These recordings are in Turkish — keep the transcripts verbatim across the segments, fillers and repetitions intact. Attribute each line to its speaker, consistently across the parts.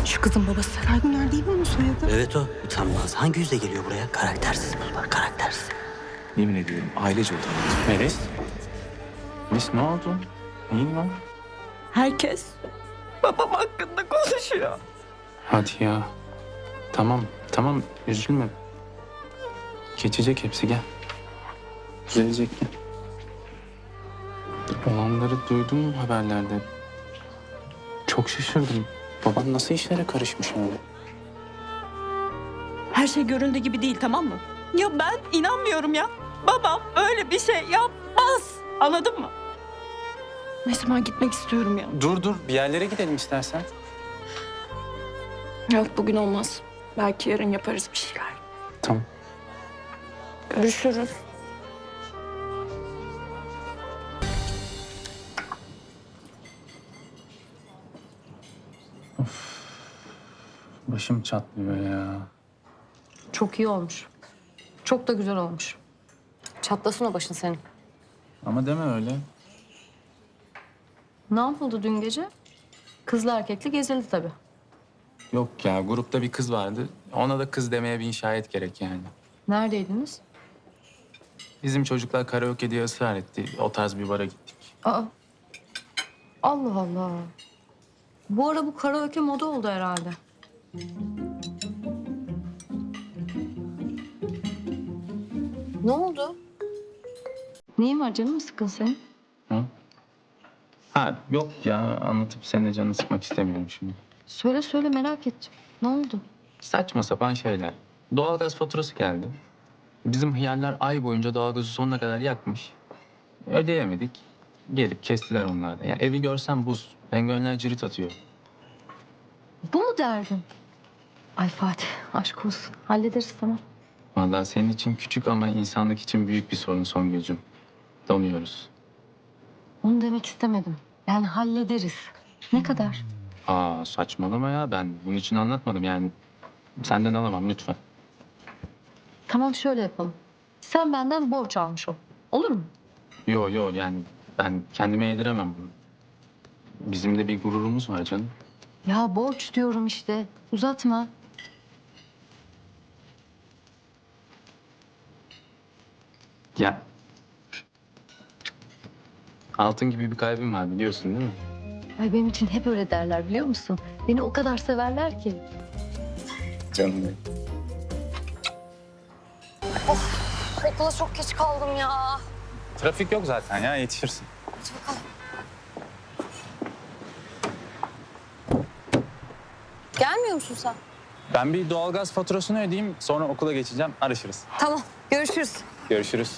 Speaker 1: Şu kızın babası.
Speaker 2: Seray Güner değil mi onun soyadı?
Speaker 3: Evet o. Utanmaz. Hangi yüzle geliyor buraya? Karaktersiz bunlar, karaktersiz.
Speaker 4: Yemin ediyorum ailece utanıyoruz. Melis? Melis ne oldu? Neyin var?
Speaker 1: Herkes babam hakkında konuşuyor.
Speaker 4: Hadi ya. Tamam, tamam üzülme. Geçecek hepsi gel. Düzelecek gel. Olanları duydum haberlerde. Çok şaşırdım. Baban nasıl işlere karışmış öyle?
Speaker 1: Her şey göründüğü gibi değil, tamam mı? Ya ben inanmıyorum ya. Babam öyle bir şey yapmaz. Anladın mı? Neyse ben gitmek istiyorum ya.
Speaker 4: Dur dur bir yerlere gidelim istersen.
Speaker 1: Yok bugün olmaz. Belki yarın yaparız bir şeyler.
Speaker 4: Tamam.
Speaker 1: Görüşürüz.
Speaker 4: Başım çatlıyor ya.
Speaker 5: Çok iyi olmuş. Çok da güzel olmuş. Çatlasın o başın senin.
Speaker 4: Ama deme öyle.
Speaker 5: Ne yapıldı dün gece? Kızlı erkekli gezildi tabii.
Speaker 4: Yok ya grupta bir kız vardı. Ona da kız demeye bin şahit gerek yani.
Speaker 5: Neredeydiniz?
Speaker 4: Bizim çocuklar karaoke diye ısrar etti. O tarz bir bara gittik.
Speaker 5: Aa. Allah Allah. Bu ara bu karaoke moda oldu herhalde. Ne oldu? Neyin var, canın mı sıkkın senin?
Speaker 4: Ha? Ha yok ya anlatıp senin de canını sıkmak istemiyorum şimdi.
Speaker 5: Söyle söyle, merak ettim. Ne oldu?
Speaker 4: Saçma sapan şeyler. Doğalgaz faturası geldi. Bizim hıyarlar ay boyunca doğalgazı sonuna kadar yakmış. Ödeyemedik. Gelip kestiler onlar da. Yani evi görsem buz. Penguenler cirit atıyor.
Speaker 5: Bu mu derdin? Ay Fatih, aşk olsun. Hallederiz, tamam.
Speaker 4: Vallahi senin için küçük ama insanlık için büyük bir sorun Songül'cüm. Donuyoruz.
Speaker 5: Onu demek istemedim. Yani hallederiz. Ne kadar?
Speaker 4: Aa saçmalama ya. Ben bunun için anlatmadım yani. Senden alamam lütfen.
Speaker 5: Tamam, şöyle yapalım. Sen benden borç almış ol. Olur mu?
Speaker 4: Yo yo yani ben kendime yediremem bunu. Bizim de bir gururumuz var canım.
Speaker 5: Ya borç diyorum işte. Uzatma.
Speaker 4: Ya. Altın gibi bir kalbim var biliyorsun değil mi?
Speaker 5: Ay benim için hep öyle derler, biliyor musun? Beni o kadar severler ki.
Speaker 4: Canım benim.
Speaker 5: Okula çok geç kaldım ya.
Speaker 4: Trafik yok zaten ya yetişirsin.
Speaker 5: Gelmiyor musun sen?
Speaker 4: Ben bir doğalgaz faturasını ödeyeyim sonra okula geçeceğim arışırız.
Speaker 5: Tamam, görüşürüz.
Speaker 4: Görüşürüz.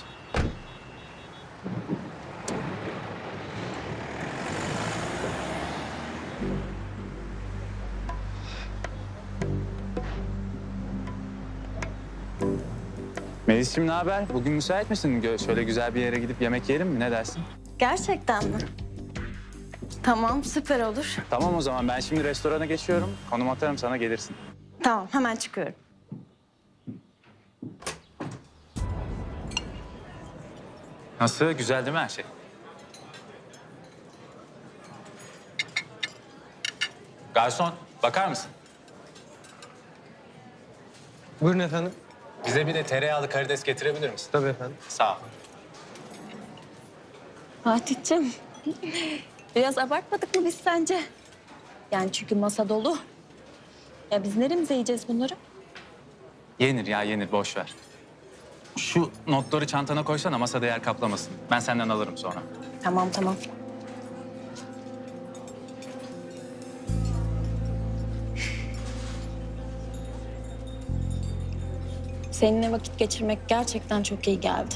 Speaker 4: Melis'ciğim ne haber? Bugün müsait misin? Gö- Şöyle güzel bir yere gidip yemek yiyelim mi? Ne dersin?
Speaker 1: Gerçekten mi? Tamam, süper olur.
Speaker 4: Tamam o zaman ben şimdi restorana geçiyorum. Konum atarım sana gelirsin.
Speaker 1: Tamam, hemen çıkıyorum.
Speaker 4: Nasıl? Güzel değil mi her şey? Garson, bakar mısın?
Speaker 6: Buyurun efendim.
Speaker 4: Bize bir de tereyağlı karides getirebilir misin?
Speaker 6: Tabii efendim.
Speaker 4: Sağ ol.
Speaker 1: Fatih'ciğim, biraz abartmadık mı biz sence? Yani çünkü masa dolu. Ya biz neremize yiyeceğiz bunları?
Speaker 4: Yenir ya yenir, boş ver. Şu notları çantana koysana, masada yer kaplamasın. Ben senden alırım sonra.
Speaker 1: Tamam, tamam. Seninle vakit geçirmek gerçekten çok iyi geldi.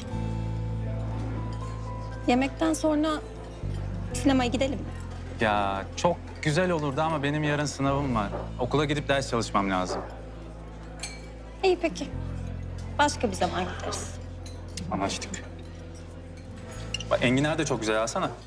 Speaker 1: Yemekten sonra sinemaya gidelim mi?
Speaker 4: Ya çok güzel olurdu ama benim yarın sınavım var. Okula gidip ders çalışmam lazım.
Speaker 1: İyi peki. Başka bir zaman gideriz.
Speaker 4: Anlaştık. Bak enginar da çok güzel alsana.